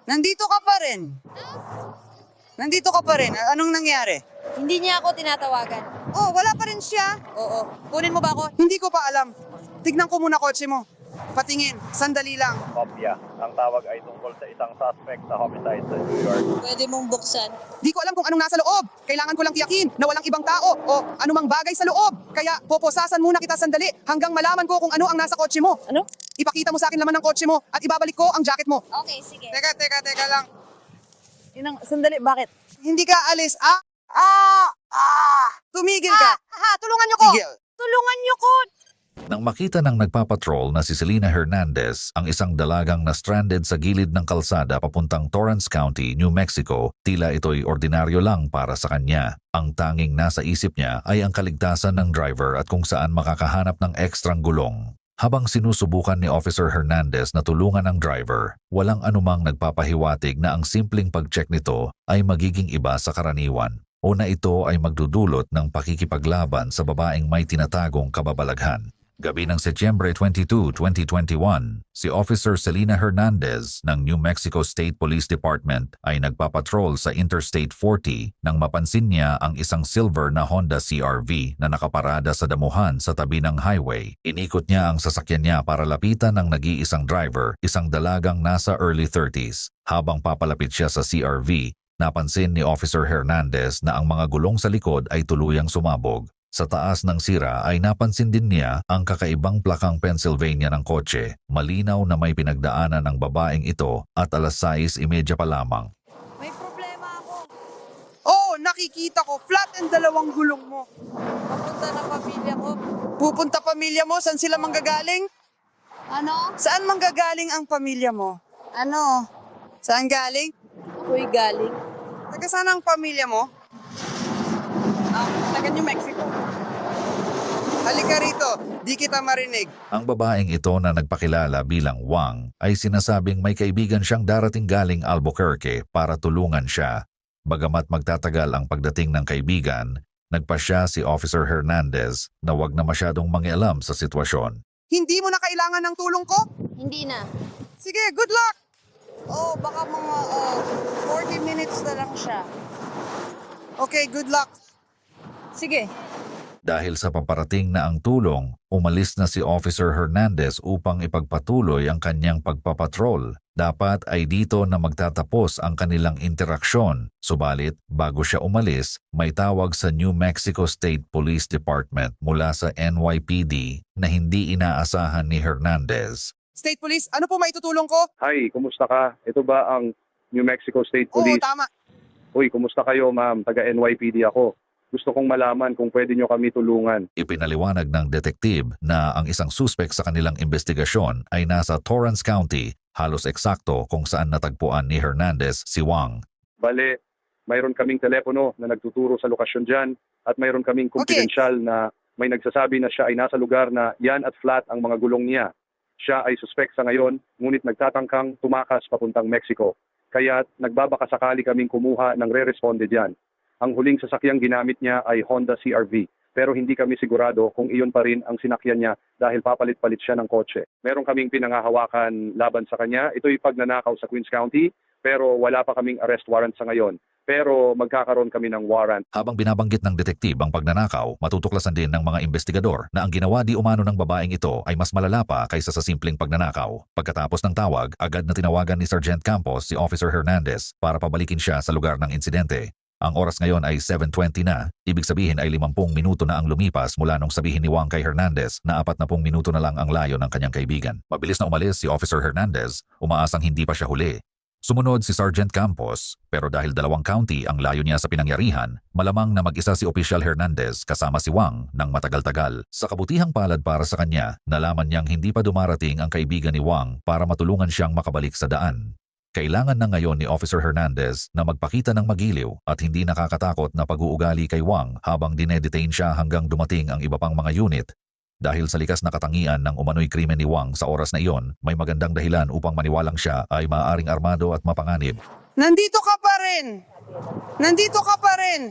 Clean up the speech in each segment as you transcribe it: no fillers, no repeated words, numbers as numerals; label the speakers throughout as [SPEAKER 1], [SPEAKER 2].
[SPEAKER 1] Nandito ka pa rin. Nandito ka pa rin. Anong nangyari?
[SPEAKER 2] Hindi niya ako tinatawagan.
[SPEAKER 1] Oh, wala pa rin siya.
[SPEAKER 2] Oo. Kunin mo ba ako?
[SPEAKER 1] Hindi ko pa alam. Tignan ko muna kotse mo. Patingin. Sandali lang.
[SPEAKER 3] Kopya. Ang tawag ay tungkol sa isang suspect sa homicide sa New York.
[SPEAKER 2] Pwede mong buksan.
[SPEAKER 1] Di ko alam kung anong nasa loob. Kailangan ko lang tiyakin na walang ibang tao o anumang bagay sa loob. Kaya poposasan muna kita sandali hanggang malaman ko kung ano ang nasa kotse mo.
[SPEAKER 2] Ano?
[SPEAKER 1] Ipakita mo sa akin laman ng kotse mo at ibabalik ko ang jacket mo.
[SPEAKER 2] Okay, sige.
[SPEAKER 1] Teka lang.
[SPEAKER 2] Sandali, bakit?
[SPEAKER 1] Hindi ka alis. Tumigil ka.
[SPEAKER 2] Tulungan niyo ko!
[SPEAKER 1] Tigil.
[SPEAKER 2] Tulungan niyo ko!
[SPEAKER 4] Nang makita ng nagpapatrol na si Selena Hernandez, ang isang dalagang na stranded sa gilid ng kalsada papuntang Torrance County, New Mexico, tila ito'y ordinaryo lang para sa kanya. Ang tanging nasa isip niya ay ang kaligtasan ng driver at kung saan makakahanap ng ekstrang gulong. Habang sinusubukan ni Officer Hernandez na tulungan ang driver, walang anumang nagpapahiwatig na ang simpleng pag-check nito ay magiging iba sa karaniwan o na ito ay magdudulot ng pakikipaglaban sa babaeng may tinatagong kababalaghan. Gabi ng Setyembre 22, 2021, si Officer Selena Hernandez ng New Mexico State Police Department ay nagpapatrol sa Interstate 40 nang mapansin niya ang isang silver na Honda CR-V na nakaparada sa damuhan sa tabi ng highway. Inikot niya ang sasakyan niya para lapitan ng nag-iisang driver, isang dalagang nasa early 30s. Habang papalapit siya sa CR-V, napansin ni Officer Hernandez na ang mga gulong sa likod ay tuluyang sumabog. Sa taas ng sira ay napansin din niya ang kakaibang plakang Pennsylvania ng kotse. Malinaw na may pinagdaanan ng babaeng ito at alas 6:30 pa lamang.
[SPEAKER 2] May problema ako.
[SPEAKER 1] Oh, nakikita ko. Flat and dalawang gulong mo.
[SPEAKER 2] Papunta na pamilya ko.
[SPEAKER 1] Pupunta pamilya mo? Saan sila manggagaling?
[SPEAKER 2] Ano?
[SPEAKER 1] Saan manggagaling ang pamilya mo?
[SPEAKER 2] Ano?
[SPEAKER 1] Saan galing?
[SPEAKER 2] Ako'y galing.
[SPEAKER 1] Taga saan ang pamilya mo? Taga New Mexico. Halika rito, di kita marinig.
[SPEAKER 4] Ang babaeng ito na nagpakilala bilang Wang ay sinasabing may kaibigan siyang darating galing Albuquerque para tulungan siya. Bagamat magtatagal ang pagdating ng kaibigan, nagpasya si Officer Hernandez na wag na masyadong mangialam sa sitwasyon.
[SPEAKER 1] Hindi mo na kailangan ng tulong ko?
[SPEAKER 2] Hindi na.
[SPEAKER 1] Sige, good luck!
[SPEAKER 2] Oh, baka mga 40 minutes na lang siya.
[SPEAKER 1] Okay, good luck.
[SPEAKER 2] Sige.
[SPEAKER 4] Dahil sa paparating na ang tulong, umalis na si Officer Hernandez upang ipagpatuloy ang kanyang pagpapatrol. Dapat ay dito na magtatapos ang kanilang interaksyon. Subalit, bago siya umalis, may tawag sa New Mexico State Police Department mula sa NYPD na hindi inaasahan ni Hernandez.
[SPEAKER 1] State Police, ano po maitutulong ko?
[SPEAKER 3] Hi, kumusta ka? Ito ba ang New Mexico State
[SPEAKER 1] Oo,
[SPEAKER 3] Police?
[SPEAKER 1] tama.
[SPEAKER 3] Uy, kumusta kayo ma'am? Taga NYPD ako. Gusto kong malaman kung pwede nyo kami tulungan.
[SPEAKER 4] Ipinaliwanag ng detektib na ang isang suspek sa kanilang investigasyon ay nasa Torrance County, halos eksakto kung saan natagpuan ni Hernandez si Wang.
[SPEAKER 3] Bale, mayroon kaming telepono na nagtuturo sa lokasyon dyan at mayroon kaming confidential na may nagsasabi na siya ay nasa lugar na yan at flat ang mga gulong niya. Siya ay suspect sa ngayon, ngunit nagtatangkang tumakas papuntang Mexico. Kaya nagbabaka sakali kaming kumuha ng re-responde dyan. Ang huling sasakyang ginamit niya ay Honda CR-V, pero hindi kami sigurado kung iyon pa rin ang sinakyan niya dahil papalit-palit siya ng kotse. Meron kaming pinangahawakan laban sa kanya. Ito'y pagnanakaw sa Queens County, pero wala pa kaming arrest warrant sa ngayon. Pero magkakaroon kami ng warrant.
[SPEAKER 4] Habang binabanggit ng detektib ang pagnanakaw, matutuklasan din ng mga investigador na ang ginawa di umano ng babaeng ito ay mas malala pa kaysa sa simpleng pagnanakaw. Pagkatapos ng tawag, agad na tinawagan ni Sergeant Campos si Officer Hernandez para pabalikin siya sa lugar ng insidente. Ang oras ngayon ay 7:20 na, ibig sabihin ay 50 minuto na ang lumipas mula nung sabihin ni Wang kay Hernandez na 40 minuto na lang ang layo ng kanyang kaibigan. Mabilis na umalis si Officer Hernandez, umaasang hindi pa siya huli. Sumunod si Sergeant Campos, pero dahil 2 county ang layo niya sa pinangyarihan, malamang na mag-isa si Official Hernandez kasama si Wang ng matagal-tagal. Sa kabutihang palad para sa kanya, nalaman niyang hindi pa dumarating ang kaibigan ni Wang para matulungan siyang makabalik sa daan. Kailangan na ngayon ni Officer Hernandez na magpakita ng magiliw at hindi nakakatakot na pag-uugali kay Wang habang dinedetain siya hanggang dumating ang iba pang mga unit. Dahil sa likas na katangian ng umano'y krimen ni Wang sa oras na iyon, may magandang dahilan upang maniwalang siya ay maaaring armado at mapanganib.
[SPEAKER 1] Nandito ka pa rin! Nandito ka pa rin!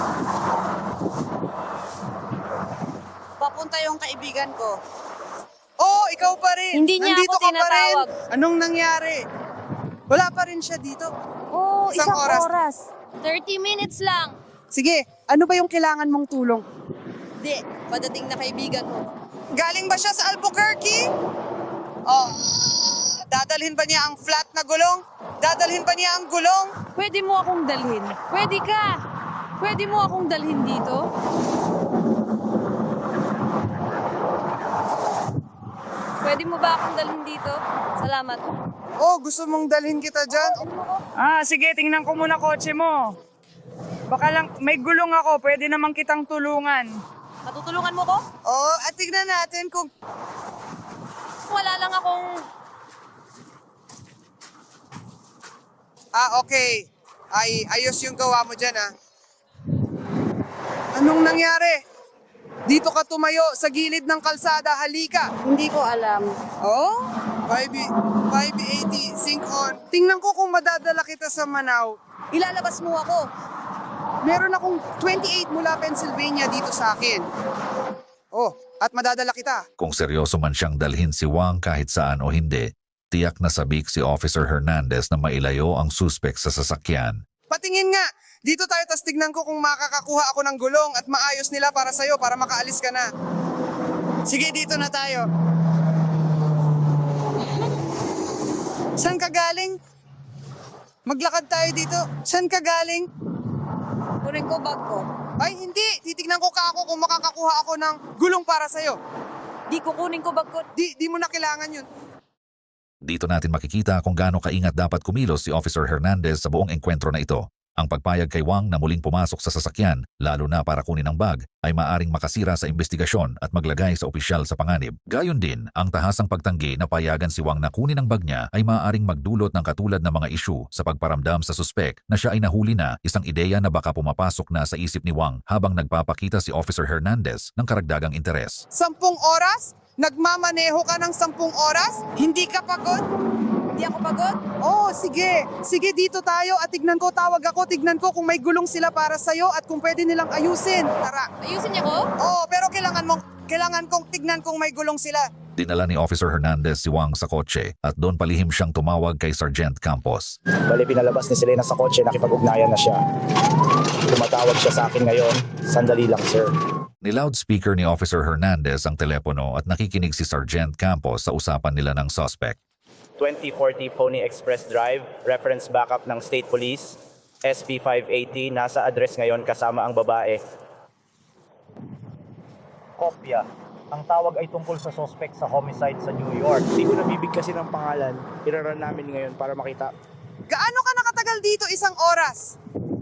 [SPEAKER 2] Papunta yung kaibigan ko.
[SPEAKER 1] Oo, ikaw pa rin.
[SPEAKER 5] Hindi niya
[SPEAKER 1] Nandito
[SPEAKER 5] ako
[SPEAKER 1] ka pa rin.
[SPEAKER 5] tinatawag.
[SPEAKER 1] Anong nangyari? Wala pa rin siya dito.
[SPEAKER 5] Oo,
[SPEAKER 1] Isang
[SPEAKER 5] isang
[SPEAKER 1] oras.
[SPEAKER 5] oras. 30 minutes lang.
[SPEAKER 1] Sige, ano ba yung kailangan mong tulong?
[SPEAKER 2] Di, padating na kaibigan mo.
[SPEAKER 1] Galing ba siya sa Albuquerque? Oh, dadalhin ba niya ang flat na gulong? Dadalhin ba niya ang gulong?
[SPEAKER 5] Pwede mo akong dalhin. Pwede ka. Pwede mo akong dalhin dito? Pwede mo ba akong dalhin dito? Salamat.
[SPEAKER 1] Oh, gusto mong dalhin kita dyan?
[SPEAKER 6] Sige, tingnan ko muna kotse mo. Baka lang, may gulong ako, pwede naman kitang tulungan.
[SPEAKER 5] Matutulungan mo ko?
[SPEAKER 1] Oh, at tignan natin kung...
[SPEAKER 5] Wala lang akong...
[SPEAKER 1] Okay. Ayos yung gawa mo dyan, Anong nangyari? Dito ka tumayo sa gilid ng kalsada, halika.
[SPEAKER 2] Hindi ko alam.
[SPEAKER 1] Oh? 580, sync on. Tingnan ko kung madadala kita sa Manau.
[SPEAKER 2] Ilalabas mo ako.
[SPEAKER 1] Meron akong 28 mula Pennsylvania dito sa akin. Oh, at madadala kita.
[SPEAKER 4] Kung seryoso man siyang dalhin si Wang kahit saan o hindi, tiyak na sabik si Officer Hernandez na mailayo ang suspek sa sasakyan.
[SPEAKER 1] Patingin nga. Dito tayo, tas tignan ko kung makakakuha ako ng gulong at maayos nila para sa'yo para makaalis ka na. Sige, dito na tayo. Saan ka galing? Maglakad tayo dito. Saan ka galing?
[SPEAKER 2] Kunin ko bag ko.
[SPEAKER 1] Ay, hindi. Titignan ko ako kung makakakuha ako ng gulong para sa'yo.
[SPEAKER 5] Di kukunin ko bag ko.
[SPEAKER 1] Di mo na kailangan yun.
[SPEAKER 4] Dito natin makikita kung gaano kaingat dapat kumilos si Officer Hernandez sa buong engkwentro na ito. Ang pagpayag kay Wang na muling pumasok sa sasakyan, lalo na para kunin ang bag, ay maaring makasira sa investigasyon at maglagay sa opisyal sa panganib. Gayon din, ang tahasang pagtanggi na payagan si Wang na kunin ang bag niya ay maaring magdulot ng katulad na mga isyu sa pagparamdam sa suspek na siya ay nahuli na, isang ideya na baka pumapasok na sa isip ni Wang habang nagpapakita si Officer Hernandez ng karagdagang interes.
[SPEAKER 1] 10 oras? Nagmamaneho ka ng 10 oras? Hindi ka pagod?
[SPEAKER 2] Hindi ako pagod.
[SPEAKER 1] Oh, sige. Sige, dito tayo at tignan ko, tawag ako, tignan ko kung may gulong sila para sa'yo at kung pwede nilang ayusin. Tara.
[SPEAKER 5] Ayusin niya ko?
[SPEAKER 1] Oo, pero kailangan kong tignan kung may gulong sila.
[SPEAKER 4] Dinala ni Officer Hernandez si Wang sa kotse at doon palihim siyang tumawag kay Sergeant Campos.
[SPEAKER 7] Bali, pinalabas ni Selena sa kotse, nakipag-ugnayan na siya. Tumatawag siya sa akin ngayon. Sandali lang, sir.
[SPEAKER 4] Ni-loudspeaker ni Officer Hernandez ang telepono at nakikinig si Sergeant Campos sa usapan nila ng suspect.
[SPEAKER 7] 2040 Pony Express Drive, reference backup ng State Police, SP 580, nasa address ngayon kasama ang babae. Kopya. Ang tawag ay tungkol sa suspect sa homicide sa New York. Hindi ko nabibigkasin ng pangalan. Iraran namin ngayon para makita.
[SPEAKER 1] Gaano ka nakatagal dito? 1 oras?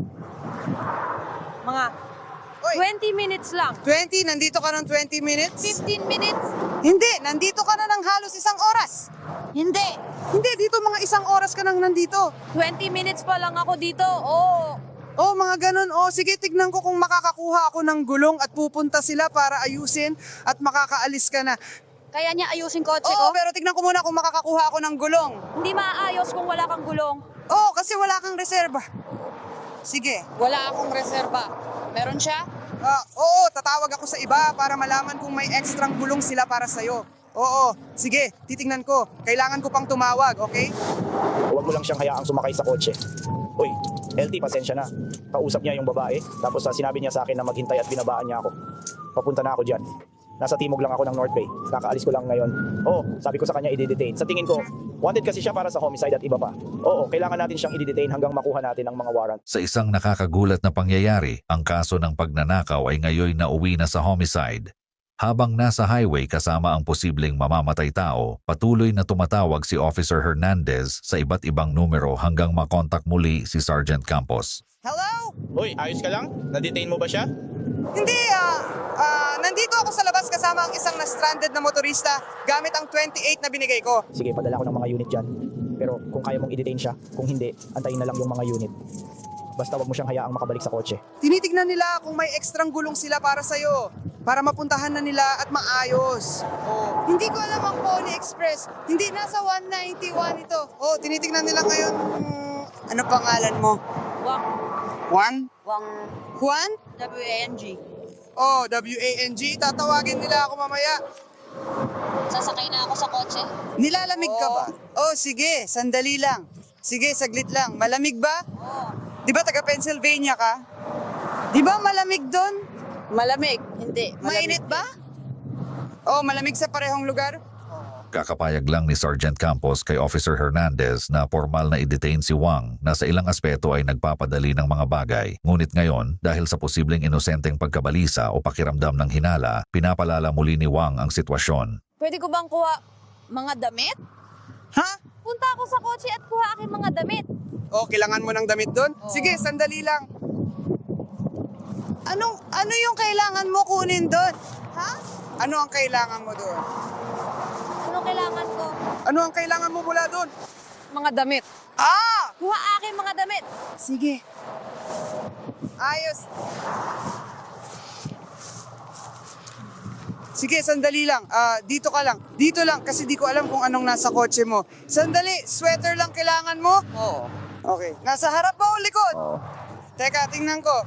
[SPEAKER 5] Mga
[SPEAKER 1] Oy,
[SPEAKER 5] 20 minutes lang.
[SPEAKER 1] 20? Nandito ka ng 20 minutes?
[SPEAKER 5] 15 minutes?
[SPEAKER 1] Hindi, nandito ka na ng halos 1 oras.
[SPEAKER 5] Hindi.
[SPEAKER 1] Hindi, dito mga 1 oras ka nang nandito.
[SPEAKER 5] 20 minutes pa lang ako dito. Oo.
[SPEAKER 1] Oh, mga ganun. Oh, sige, tignan ko kung makakakuha ako ng gulong at pupunta sila para ayusin at makakaalis ka na.
[SPEAKER 2] Kaya niya ayusin kotse
[SPEAKER 1] Oo,
[SPEAKER 2] ko?
[SPEAKER 1] pero tignan ko muna kung makakakuha ako ng gulong.
[SPEAKER 5] Hindi maayos kung wala kang gulong.
[SPEAKER 1] Oo, kasi wala kang reserba. Sige.
[SPEAKER 2] Wala akong reserba. Meron siya?
[SPEAKER 1] Oo, tatawag ako sa iba para malaman kung may ekstrang gulong sila para sa'yo. Oo, sige, titingnan ko. Kailangan ko pang tumawag, okay?
[SPEAKER 7] Huwag mo lang siyang hayaang sumakay sa kotse. Uy, LT, pasensya na. Kausap niya yung babae, tapos sinabi niya sa akin na maghintay at binabaan niya ako. Papunta na ako dyan. Nasa timog lang ako ng North Bay. Kakaalis ko lang ngayon. Oo, sabi ko sa kanya i-detain. Sa tingin ko, wanted kasi siya para sa homicide at iba pa. Oo, kailangan natin siyang i-detain hanggang makuha natin ang mga warrant.
[SPEAKER 4] Sa isang nakakagulat na pangyayari, ang kaso ng pagnanakaw ay ngayon nauwi na sa homicide. Habang nasa highway kasama ang posibleng mamamatay tao, patuloy na tumatawag si Officer Hernandez sa iba't ibang numero hanggang makontak muli si Sergeant Campos.
[SPEAKER 1] Hello?
[SPEAKER 7] Uy, ayos ka lang? Na-detain mo ba siya?
[SPEAKER 1] Hindi, nandito ako sa labas kasama ang isang na-stranded na motorista gamit ang 28 na binigay ko.
[SPEAKER 7] Sige, padala ko ng mga unit dyan. Pero kung kaya mong i-detain siya, kung hindi, antayin na lang yung mga unit. Basta wag mo siyang hayaang makabalik sa kotse.
[SPEAKER 1] Tinitignan nila kung may ekstrang gulong sila para sa'yo. Para mapuntahan na nila at maayos. Oh. Hindi ko alam ang Pony Express. Hindi, nasa 191 ito. Oh, tinitignan nila ngayon. Ano pangalan mo?
[SPEAKER 5] Wang.
[SPEAKER 1] Juan?
[SPEAKER 2] Wang
[SPEAKER 1] Juan?
[SPEAKER 2] W-A-N-G.
[SPEAKER 1] Oh, W-A-N-G. Tatawagin nila ako mamaya.
[SPEAKER 2] Sasakay na ako sa kotse.
[SPEAKER 1] Nilalamig ka ba? Oh, sige, sandali lang. Sige, saglit lang. Malamig ba? Di ba taga Pennsylvania ka? Di ba malamig doon?
[SPEAKER 2] Malamig. Hindi.
[SPEAKER 1] Mainit ba? Oh, malamig sa parehong lugar?
[SPEAKER 4] Kakapayag lang ni Sergeant Campos kay Officer Hernandez na formal na i-detain si Wang na sa ilang aspeto ay nagpapadali ng mga bagay. Ngunit ngayon, dahil sa posibleng inosenteng pagkabalisa o pakiramdam ng hinala, pinapalala muli ni Wang ang sitwasyon.
[SPEAKER 2] Pwede ko bang kuha mga damit?
[SPEAKER 1] Ha?
[SPEAKER 2] Punta ako sa kotse at kuha aking mga damit.
[SPEAKER 1] Oh, kailangan mo ng damit doon? Sige, sandali lang. Ano yung kailangan mo kunin doon?
[SPEAKER 2] Ha?
[SPEAKER 1] Ano ang kailangan mo doon?
[SPEAKER 2] Ano kailangan ko?
[SPEAKER 1] Ano ang kailangan mo mula doon?
[SPEAKER 2] Mga damit.
[SPEAKER 1] Ah!
[SPEAKER 2] Kuha aking mga damit.
[SPEAKER 1] Sige. Ayos. Sige, sandali lang. Dito ka lang. Dito lang kasi di ko alam kung anong nasa kotse mo. Sandali, sweater lang kailangan mo?
[SPEAKER 2] Oo.
[SPEAKER 1] Okay. Nasa harap ba o likod? Teka, tingnan ko.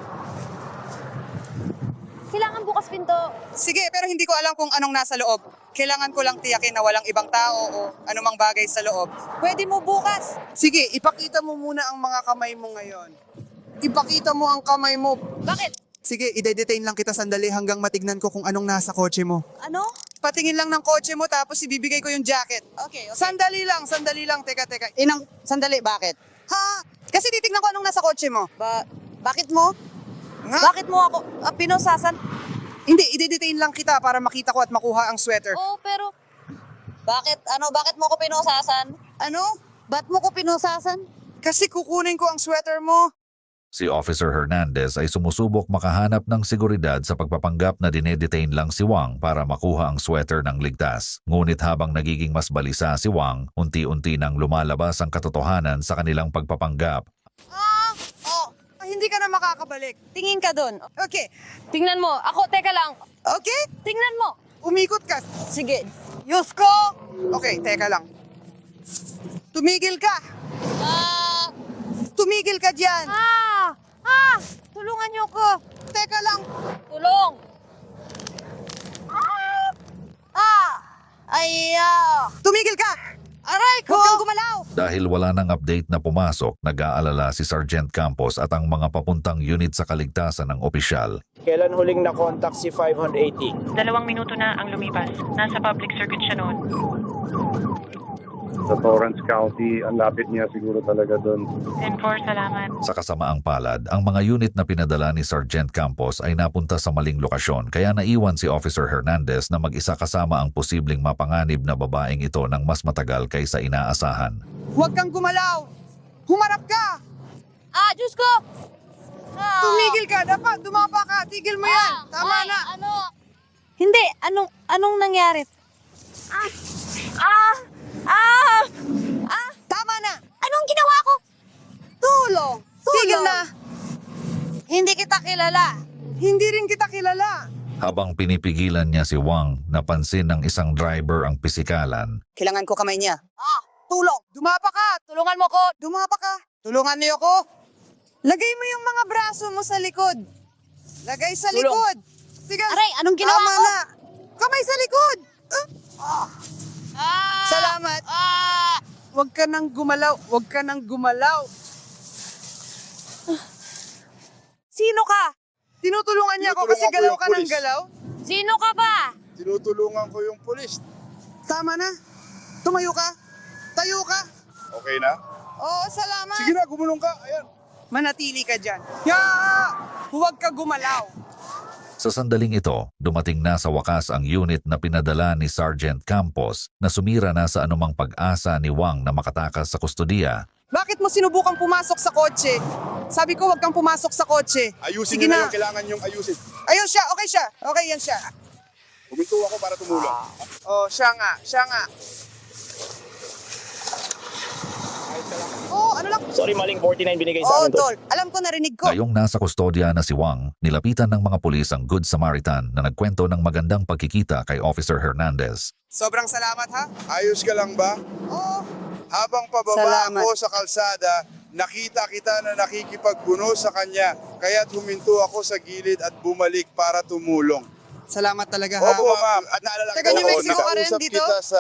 [SPEAKER 2] Kailangan bukas pinto.
[SPEAKER 1] Sige, pero hindi ko alam kung anong nasa loob. Kailangan ko lang tiyakin na walang ibang tao o anumang bagay sa loob. Pwede mo bukas. Sige, ipakita mo muna ang mga kamay mo ngayon. Ipakita mo ang kamay mo.
[SPEAKER 2] Bakit?
[SPEAKER 1] Sige, ide-detain lang kita sandali hanggang matignan ko kung anong nasa kotse mo.
[SPEAKER 2] Ano?
[SPEAKER 1] Patingin lang ng kotse mo tapos ibibigay ko yung jacket.
[SPEAKER 2] Okay.
[SPEAKER 1] Sandali lang. Teka.
[SPEAKER 2] Sandali, bakit?
[SPEAKER 1] Ha? Kasi titignan ko anong nasa kotse mo.
[SPEAKER 2] Bakit mo?
[SPEAKER 1] Nga?
[SPEAKER 2] Bakit mo ako pinusasan?
[SPEAKER 1] Hindi, ide-detain lang kita para makita ko at makuha ang sweater.
[SPEAKER 2] Oo, pero... Bakit mo ko pinusasan?
[SPEAKER 1] Ano?
[SPEAKER 2] Ba't mo ko pinusasan?
[SPEAKER 1] Kasi kukunin ko ang sweater mo.
[SPEAKER 4] Si Officer Hernandez ay sumusubok makahanap ng seguridad sa pagpapanggap na dinedetain lang si Wang para makuha ang sweater ng ligtas. Ngunit habang nagiging mas balisa si Wang, unti-unti nang lumalabas ang katotohanan sa kanilang pagpapanggap.
[SPEAKER 1] Hindi ka na makakabalik.
[SPEAKER 2] Tingin ka dun.
[SPEAKER 1] Okay.
[SPEAKER 2] Tingnan mo. Ako, teka lang.
[SPEAKER 1] Okay?
[SPEAKER 2] Tingnan mo.
[SPEAKER 1] Umikot ka.
[SPEAKER 2] Sige.
[SPEAKER 1] Yusko! Okay, teka lang. Tumigil ka. Tumigil ka dyan.
[SPEAKER 2] Tulungan niyo ko.
[SPEAKER 1] Teka lang.
[SPEAKER 2] Tulong.
[SPEAKER 1] Tumigil ka. Aray ko! Huwag kang gumalaw.
[SPEAKER 4] Dahil wala nang update na pumasok, nag-aalala si Sergeant Campos at ang mga papuntang unit sa kaligtasan ng opisyal.
[SPEAKER 7] Kailan huling na-contact si 580?
[SPEAKER 8] 2 minuto na ang lumipas. Nasa public circuit siya noon.
[SPEAKER 3] Sa Torrance County, ang lapit niya siguro talaga doon.
[SPEAKER 8] 10-4, salamat.
[SPEAKER 4] Sa kasamaang palad, ang mga unit na pinadala ni Sergeant Campos ay napunta sa maling lokasyon kaya naiwan si Officer Hernandez na mag-isa kasama ang posibleng mapanganib na babaeng ito ng mas matagal kaysa inaasahan.
[SPEAKER 1] Huwag kang gumalaw. Humarap ka.
[SPEAKER 2] Diyos ko!
[SPEAKER 1] Tumigil ka. Dapat dumapa ka. Tigil mo yan. Tama na.
[SPEAKER 2] Hindi. Anong nangyari?
[SPEAKER 1] Tama na.
[SPEAKER 2] Anong ginawa ko?
[SPEAKER 1] Tulong. Tigil na.
[SPEAKER 2] Hindi kita kilala.
[SPEAKER 1] Hindi rin kita kilala.
[SPEAKER 4] Habang pinipigilan niya si Wang, napansin ng isang driver ang pisikalan.
[SPEAKER 1] Kailangan ko kamay niya. Tulong. Dumapa ka.
[SPEAKER 2] Tulungan mo ko.
[SPEAKER 1] Dumapa ka. Tulungan niyo ko. Lagay mo yung mga braso mo sa likod. Lagay sa
[SPEAKER 2] Tulong.
[SPEAKER 1] likod. Sige.
[SPEAKER 2] Aray, anong ginawa
[SPEAKER 1] Tama
[SPEAKER 2] ko?
[SPEAKER 1] na. Kamay sa likod. Salamat. Huwag ka nang gumalaw. Huwag ka nang gumalaw. Sino ka? Tinutulungan niya ako kasi galaw ka ng galaw.
[SPEAKER 2] Sino ka ba?
[SPEAKER 9] Tinutulungan ko yung pulis.
[SPEAKER 1] Tama na. Tumayo ka. Tayo ka.
[SPEAKER 9] Okay na?
[SPEAKER 1] Oo, salamat.
[SPEAKER 9] Sige na, gumulong ka. Ayan.
[SPEAKER 1] Manatili ka dyan. Huwag ka gumalaw.
[SPEAKER 4] Sa sandaling ito, dumating na sa wakas ang unit na pinadala ni Sergeant Campos na sumira na sa anumang pag-asa ni Wang na makatakas sa kustodiya.
[SPEAKER 1] Bakit mo sinubukang pumasok sa kotse? Sabi ko, huwag kang pumasok sa kotse.
[SPEAKER 9] Ayusin
[SPEAKER 1] Sige
[SPEAKER 9] niyo na
[SPEAKER 1] na.
[SPEAKER 9] yung kailangan yung ayusin.
[SPEAKER 1] Ayun siya. Okay siya. Okay, yan siya.
[SPEAKER 9] Huminto ako para tumulong.
[SPEAKER 1] Oh, siya nga. Siya nga. Oh, ano lang?
[SPEAKER 7] Sorry, maling 49 binigay sa
[SPEAKER 1] Oh,
[SPEAKER 7] akin, Tol.
[SPEAKER 1] tol. Alam ko, narinig ko.
[SPEAKER 4] Ngayong nasa kustodya na si Wang, nilapitan ng mga pulis ang Good Samaritan na nagkwento ng magandang pagkikita kay Officer Hernandez.
[SPEAKER 1] Sobrang salamat, ha?
[SPEAKER 9] Ayos ka lang ba?
[SPEAKER 1] Oo.
[SPEAKER 9] Habang pababa
[SPEAKER 1] Salamat.
[SPEAKER 9] ako sa kalsada, nakita kita na nakikipagbuno sa kanya. Kaya't huminto ako sa gilid at bumalik para tumulong.
[SPEAKER 1] Salamat talaga ha.
[SPEAKER 9] Opo, ma'am. At naalala
[SPEAKER 1] Taga New
[SPEAKER 9] ko,
[SPEAKER 1] Mexico ka rin
[SPEAKER 9] nakausap
[SPEAKER 1] dito?
[SPEAKER 9] kita sa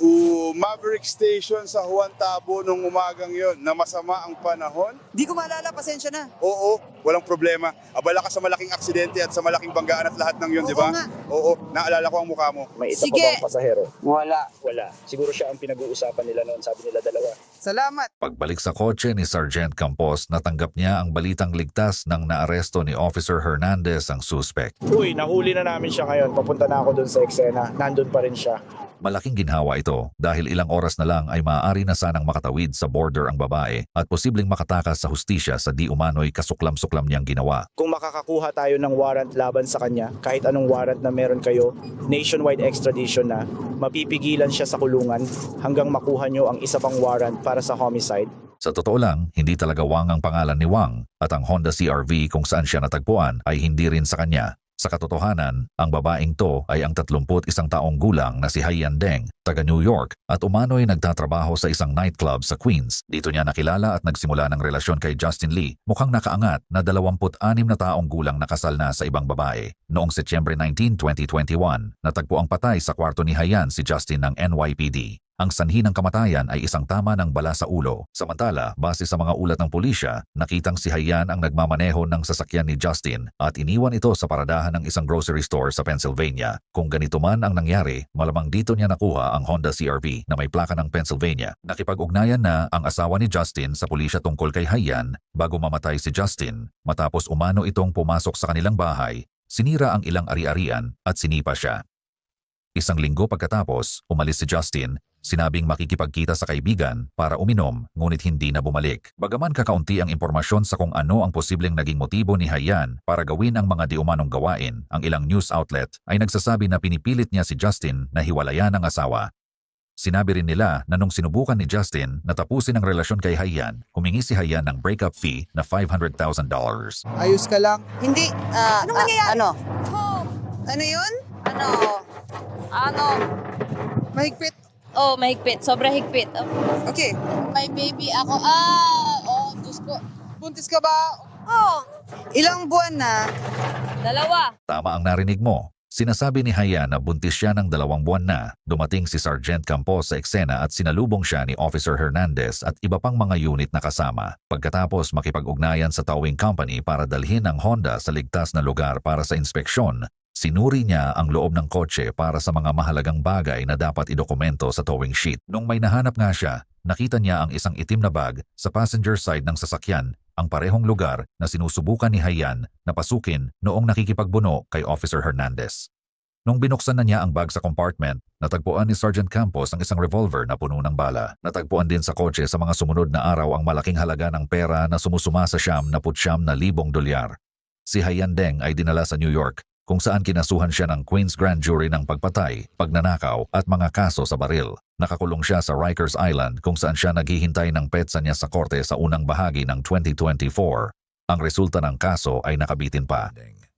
[SPEAKER 9] Maverick Station sa Juan Tabo nung umagang yon na masama ang panahon.
[SPEAKER 1] Di ko maalala, pasensya na.
[SPEAKER 9] Oo, walang problema. Abala ka sa malaking aksidente at sa malaking banggaan at lahat ng yun,
[SPEAKER 1] Oo
[SPEAKER 9] di ba?
[SPEAKER 1] nga.
[SPEAKER 9] Oo, naalala ko ang mukha mo.
[SPEAKER 7] May isa
[SPEAKER 1] Sige.
[SPEAKER 7] pa bang pasahero?
[SPEAKER 2] Wala.
[SPEAKER 7] Wala. Siguro siya ang pinag-uusapan nila noon. Sabi nila dalawa.
[SPEAKER 1] Salamat.
[SPEAKER 4] Pagbalik sa kotse ni Sergeant Campos, natanggap niya ang balitang ligtas nang naaresto ni Officer Hernandez ang suspect.
[SPEAKER 7] Uy, nahuli na namin siya ngayon. Papunta na ako dun sa eksena. Nandun pa rin siya.
[SPEAKER 4] Malaking ginhawa ito dahil ilang oras na lang ay maaari na sanang makatawid sa border ang babae at posibleng makatakas sa hustisya sa di umano'y kasuklam-suklam niyang ginawa.
[SPEAKER 7] Kung makakakuha tayo ng warrant laban sa kanya, kahit anong warrant na meron kayo, nationwide extradition na, mapipigilan siya sa kulungan hanggang makuha nyo ang isa pang warrant para sa homicide.
[SPEAKER 4] Sa totoo lang, hindi talaga Wang ang pangalan ni Wang at ang Honda CR-V kung saan siya natagpuan ay hindi rin sa kanya. Sa katotohanan, ang babaeng to ay ang 31 taong gulang na si Haiyan Deng, taga New York at umano'y nagtatrabaho sa isang nightclub sa Queens. Dito niya nakilala at nagsimula ng relasyon kay Justin Lee, mukhang nakaangat na 26 na taong gulang na kasal na sa ibang babae. Noong Setyembre 19, 2021, natagpo ang patay sa kwarto ni Haiyan si Justin ng NYPD. Ang sanhi ng kamatayan ay isang tama ng bala sa ulo. Samantala, base sa mga ulat ng pulisya, nakitang si Haiyan ang nagmamaneho ng sasakyan ni Justin at iniwan ito sa paradahan ng isang grocery store sa Pennsylvania. Kung ganito man ang nangyari, malamang dito niya nakuha ang Honda CR-V na may plaka ng Pennsylvania. Nakipag-ugnayan na ang asawa ni Justin sa pulisya tungkol kay Haiyan bago mamatay si Justin. Matapos umano itong pumasok sa kanilang bahay, sinira ang ilang ari-arian at sinipa siya. Isang linggo pagkatapos, umalis si Justin. Sinabing makikipagkita sa kaibigan para uminom ngunit hindi na bumalik. Bagaman kakaunti ang impormasyon sa kung ano ang posibleng naging motibo ni Haiyan para gawin ang mga di umanong gawain, ang ilang news outlet ay nagsasabi na pinipilit niya si Justin na hiwalayan ang asawa. Sinabi rin nila na nung sinubukan ni Justin na tapusin ang relasyon kay Haiyan, humingi si Haiyan ng breakup fee na $500,000.
[SPEAKER 1] Ayos ka lang.
[SPEAKER 2] Hindi.
[SPEAKER 5] Anong nangyayari?
[SPEAKER 2] Ano?
[SPEAKER 1] Ano yun?
[SPEAKER 5] Ano?
[SPEAKER 1] Mahigpit.
[SPEAKER 5] Oh, mahigpit. Sobra higpit.
[SPEAKER 1] Okay.
[SPEAKER 5] May baby ako. Diyos ko.
[SPEAKER 1] Buntis ka ba?
[SPEAKER 5] Oh,
[SPEAKER 1] Ilang buwan na?
[SPEAKER 5] 2.
[SPEAKER 4] Tama ang narinig mo. Sinasabi ni Haiyan na buntis siya ng 2 buwan na. Dumating si Sergeant Campos sa eksena at sinalubong siya ni Officer Hernandez at iba pang mga unit na kasama. Pagkatapos makipag-ugnayan sa towing company para dalhin ang Honda sa ligtas na lugar para sa inspeksyon, sinuri niya ang loob ng kotse para sa mga mahalagang bagay na dapat idokumento sa towing sheet. Nung may nahanap nga siya, nakita niya ang isang itim na bag sa passenger side ng sasakyan, ang parehong lugar na sinusubukan ni Haiyan na pasukin noong nakikipagbuno kay Officer Hernandez. Nung binuksan na niya ang bag sa compartment, natagpuan ni Sergeant Campos ang isang revolver na puno ng bala. Natagpuan din sa kotse sa mga sumunod na araw ang malaking halaga ng pera na sumusuma sa $9,000,000. Si Haiyan Deng ay dinala sa New York, kung saan kinasuhan siya ng Queens Grand Jury ng pagpatay, pagnanakaw at mga kaso sa baril. Nakakulong siya sa Rikers Island kung saan siya naghihintay ng petsa niya sa korte sa unang bahagi ng 2024. Ang resulta ng kaso ay nakabitin pa.